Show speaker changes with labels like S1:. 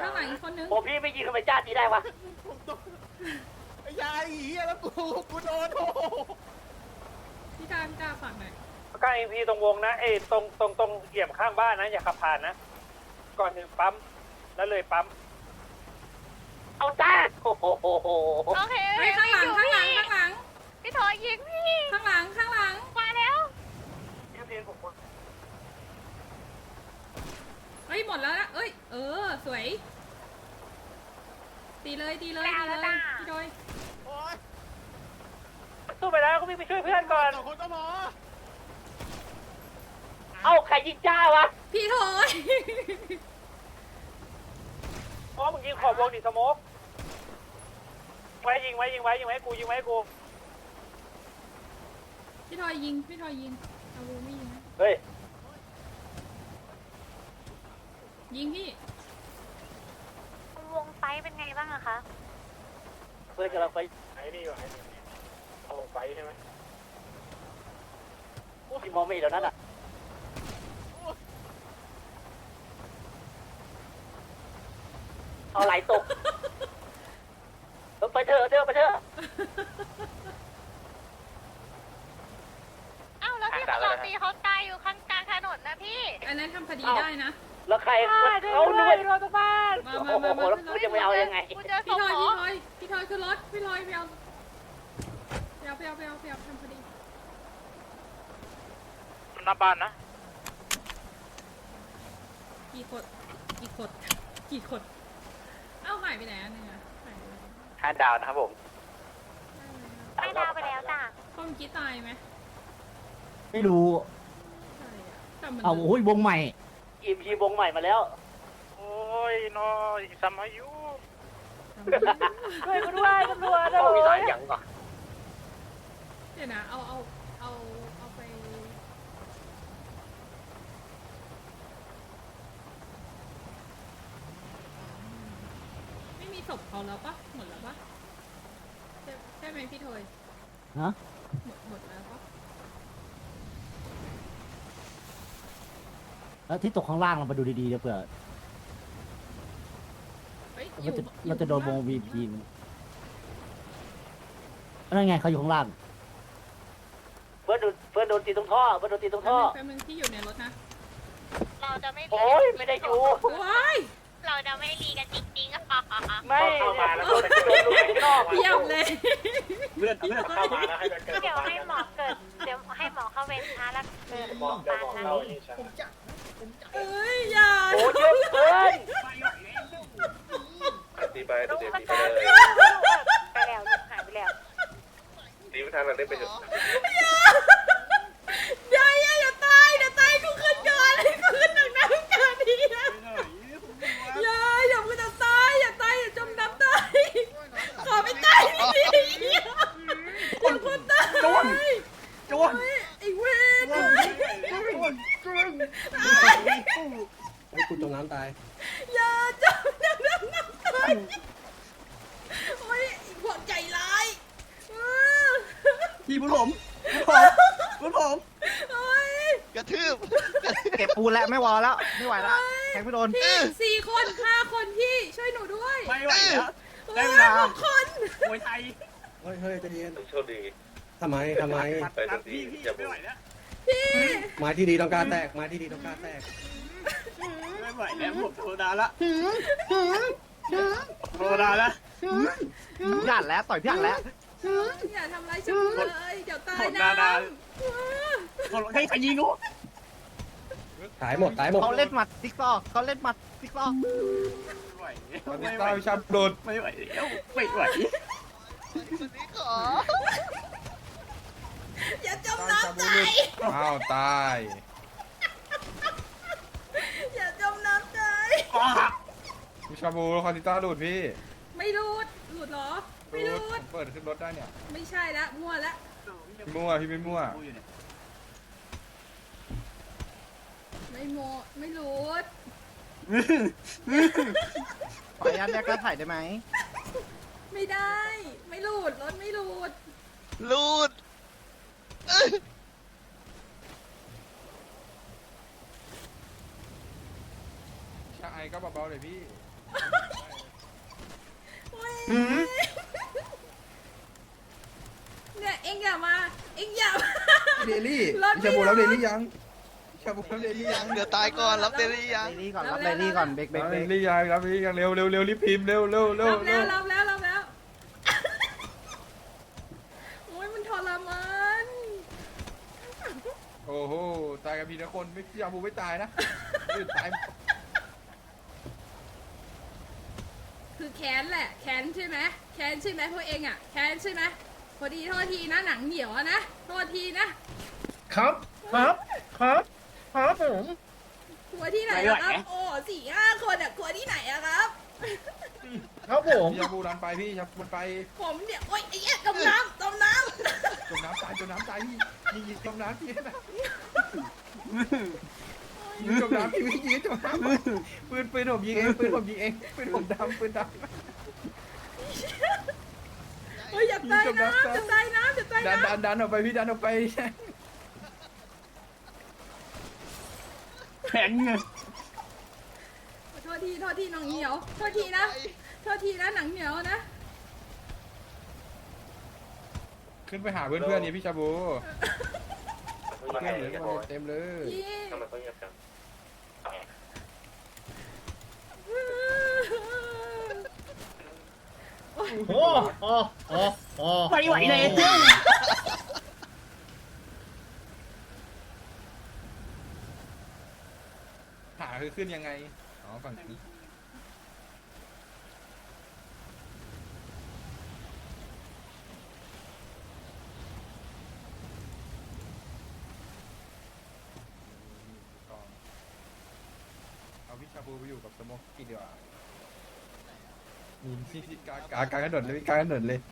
S1: ข้างหลังอีกคนนึง
S2: โอ้พี่ไม่ยิงทำไมจ้าตีได้วะ
S3: ไอ้ยายเหี้ยแล้วกูโดนโอ้
S1: พี่กล้าพี่กล้าฝั่งหน่อย
S4: ใกล้พี่ตรงวงนะตรงเหยียบข้างบ้านนะอย่าขับผ่านนะก่อนถึงปั๊มแล้วเลยปั๊ม
S2: เอาจ้าโอ้โห
S5: โอเค
S1: เฮ้ยข้างหลังข้างหลังข้างหลัง
S5: พี่ถอยยิงพี่
S1: ข้างหลังข้างหลัง
S5: มาแล้ว
S4: พี่ทีนผม
S1: เฮ้ยหมดแล้วนะเอ้ยสวยตีเลยตีเลยตีเลยพี่โดย
S3: โอ้ย
S4: สู้ไปแล้วก็วิ่งไปช่วยเพื่อนก่อน
S3: สองคนก็พอ
S2: เอาใครยิงจ้าวะ
S1: พี่โดย
S4: เพราะมึงยิงขอบวงดิสโมกไว้ยิงไว้กูยิงไว้กู
S1: พี่โดยยิงพี่โดยยิงเอาวูไม่ยิงนะ
S2: เฮ้ย
S1: ยิงพี่
S5: วงไฟเป็นไงบ้างอะคะ
S2: เพื่อนกำลังไป
S4: ไอ้นี่ก่อนเอาลงไปใช่ไหม
S2: พี่มองไม่เห็นแล้วนั่นอ่ะเอาไหลตกไปเถอะไปเถอะ
S5: อ้าวแล้วที่เราตีเขาตายอยู่ข้างกลางถนนนะพี่
S1: อันนั้นทำคดีได้นะ
S2: แล้วใครเอาด้วย
S4: รถบ้าน
S1: มา
S2: โอ้โหแล้วกูจะไปเอายังไง
S5: กูเจอศ
S1: พี่
S5: พ
S1: โดย
S5: หมอ
S1: พี่โดยคือรถพี่โดยไปเอาทำคดี
S4: หน้าบ้านนะ
S1: กี่คนเอ้าหายไปไหนอันนึงอะหายไปไหน
S2: 5 ดาวนะครับผม
S5: ไม่ดาวไปแล้วจ้ะ
S1: พ่อเมื่อกี้ตายไหม
S6: ไม่รู้
S1: ใช่อะแต่มัน
S6: เอาโอ้ยวงใหม่
S2: อีพีวงใหม่มาแล้ว
S4: โอ้ยน้อยซัมอายุ
S2: ช่วยกูด้วยตำรวจมีหลายอย่างก่อน
S1: เดี๋ยวนะเอาไปไม่มีศพเขาแล้วปะหมดแล้วปะใช่ไหมพี่โทย
S6: ฮะ
S1: หมดแล้วปะ
S6: แล้วที่ตกข้างล่างเรามาดูดีๆนะเผื่อ
S1: เฮ้ย
S6: เราจะโดนวง VP นั่นไงเขาอยู่ข้างล่าง
S2: เพื่อนโดนตีตรงท่อแป๊บนึง
S1: ที่อยู่ในรถนะ
S5: เราจะไม่
S2: โอ้ยไม่ได้อยู่
S1: ว้าย
S5: เราจะไม่ดีกันจริงๆอะ
S2: ไม่
S4: เข้ามาแล้ว
S2: โดนลูกนอก
S1: เยี่ยมเลย
S4: เลื่อนเข้ามาแล้วให้มันเกิด
S5: เดี๋ยวให้หมอเกิด เดี๋ยวให้หมอเข้าเวรช้าแล้วเกิด
S4: มองได้มอง
S5: นะ
S4: เรานี่ใช่
S1: เอ้ยอย่า
S2: โอ้เยอะเกิน
S7: ตีไป
S5: ลูก
S7: เดี๋ยว
S5: มัน
S7: ตีไป
S5: ตาย
S7: เลย
S5: ไปแล้วลูกหายไปแล้ว
S7: ตีไม่ทันเราได้ไปเถอะ
S1: อย่าตายเดี๋ยวตายกูขึ้นก่อนกูขึ้นหนักน้ำกันดีนะอย่ามึงจะตายอย่าจมน้ำตายขอไม่ตายดีอย่าคนตายจวนไอ้เวร
S3: ให้กูจมน้ำตาย
S1: อย่าจมน้ำตายโอ้ยพวกใจร้าย
S3: พี่บุญผม
S1: โอ้ย
S8: กระทืบ
S6: เก็บปูนแล้วไม่วอแล้วไม่ไหวแล้วแทงไม่โดน
S1: พี่4 คน5 คนพี่ช่วยหนูด้วย
S4: ไม่ไหวแล้ว
S1: ได้เวลา6 คน
S4: มวยไทย
S3: เฮ้ยใจเย็น
S7: โชคดี
S3: ทำไม
S7: ไปทันทีอย่า
S4: ไม่
S7: บุ
S4: ไหว
S7: ก
S4: แล้ว
S1: พี่
S3: ไม้ที่ดีต้องการแตก
S4: ไม่ไหวแล้วผมโทรดาละโทรดาละ
S6: พี่อ่านแล้วต่อยพี่อ่านแล้ว
S1: อย่าทำร้ายฉันเลยเดี๋ยวตายน้ำ
S4: คนให้ใครยิงกู
S3: ตายหมด
S6: เขาเล่นหมัดติ๊กซอกเขาเล่นหมัดติ๊กซอก
S4: ไม่ไหวไม่ไหวชับโดนไม่ไหวแล้วไม่ไหว
S8: วันนี้ขอ
S1: อย่าจมน้ำตาย
S9: อ้าวตาย
S1: อย่าจมน้ำตาย
S9: พี่ชาบูคอนติต้าหลุดพี่
S1: ไม่รูดหลุดเหรอไม่รูด
S9: เปิดขึ้นรถได้เนี่ย
S1: ไม่ใช่ละมั่วละ
S9: พี่มั่วพี่ไม่มั่ว
S1: ไม่โมไม่รูด
S6: ขออนุญาตแยกกระถ่ายได้ไหม
S1: ไม่ได้ ไม่รูดรถไม่รูด
S8: ลูด
S9: ชาไอก็เบาๆเลยพี่
S1: โอ้ยเนี่ยเอ็งอย่ามาเอ็งอย่ามา
S9: เดลี่
S1: รถ
S9: พี่
S1: ไม่
S9: ชาบูรับ
S1: ร
S9: เด
S1: ถ
S9: ลี่ยังพี่ชาบูรับเดลี่ยัง
S8: เดี๋ยวตายก่อนรับเดลี่ยัง
S6: เลดี้ก่อนรับเลดี้ก่อนเบรกเบร
S9: รั
S6: ก
S9: บ
S6: เบร
S9: เด
S6: ก
S9: ลี่ยังรับเดลี่ยังเร็วเร็วเร็วรีบพิมพ์เร็วเร็วเร็ว
S1: รับ
S9: เร็
S1: แล้ว
S9: ว
S1: รับแล้วโอ้ยมันทรมาน
S9: โอ้โหตายกันพี่นะคนไม่พี่ชาบูไม่ตายนะอื่นตาย
S1: คือแค้นแหละแค้นใช่ไหมแค้นใช่ไหมพวกเองอ่ะแค้นใช่ไหมพอดีโทษทีนะหนังเหนียวอะนะโทษทีนะครับ
S3: ครับผม
S1: กลัวที่ไหนอะครับโอ้4-5 คนอะกลัวที่ไหนอะครับ
S3: ครับผม
S9: พี่ชาบูรันไปพี่ชาบูรันไป
S1: ผมเนี่ยโอ๊ยไอ้เหี้ยจมน้ำ
S9: จมน้ำตายพี่ยิงจมน้ำพี่นะยิงจมน้ำพี่ยิงจมน้ำปืนผมยิงเองปืนผมยิงเองปืนผมดำปืนดำ
S1: เฮ้ยอย่าตายน้ำอย่าตายน้ำอย่าตาย
S9: ดัน
S1: น้ำ
S9: ดันออกไปพี่ดันออกไป
S3: แข็งเงิน
S1: โทษทีหนังเหนียวโทษทีนะหนังเหนียวนะ
S9: ขึ้นไปหาเพื่อนๆนี่พี่ชาบู
S7: เขา
S9: เพื่อน
S7: เงี
S9: เหลื
S7: ย
S9: อบ เต็มเลย
S1: พี่
S7: ทำไมเขาเงียบจัง
S3: โอ้ไม่ไหวเลย
S9: หาคือขึ้นยังไงอ๋อฝั่งนี้เอาพี่ชาบูไปอยู่กับสโมกกี้ดีกว่านี่กลางถนนเลยกลางถนนเลย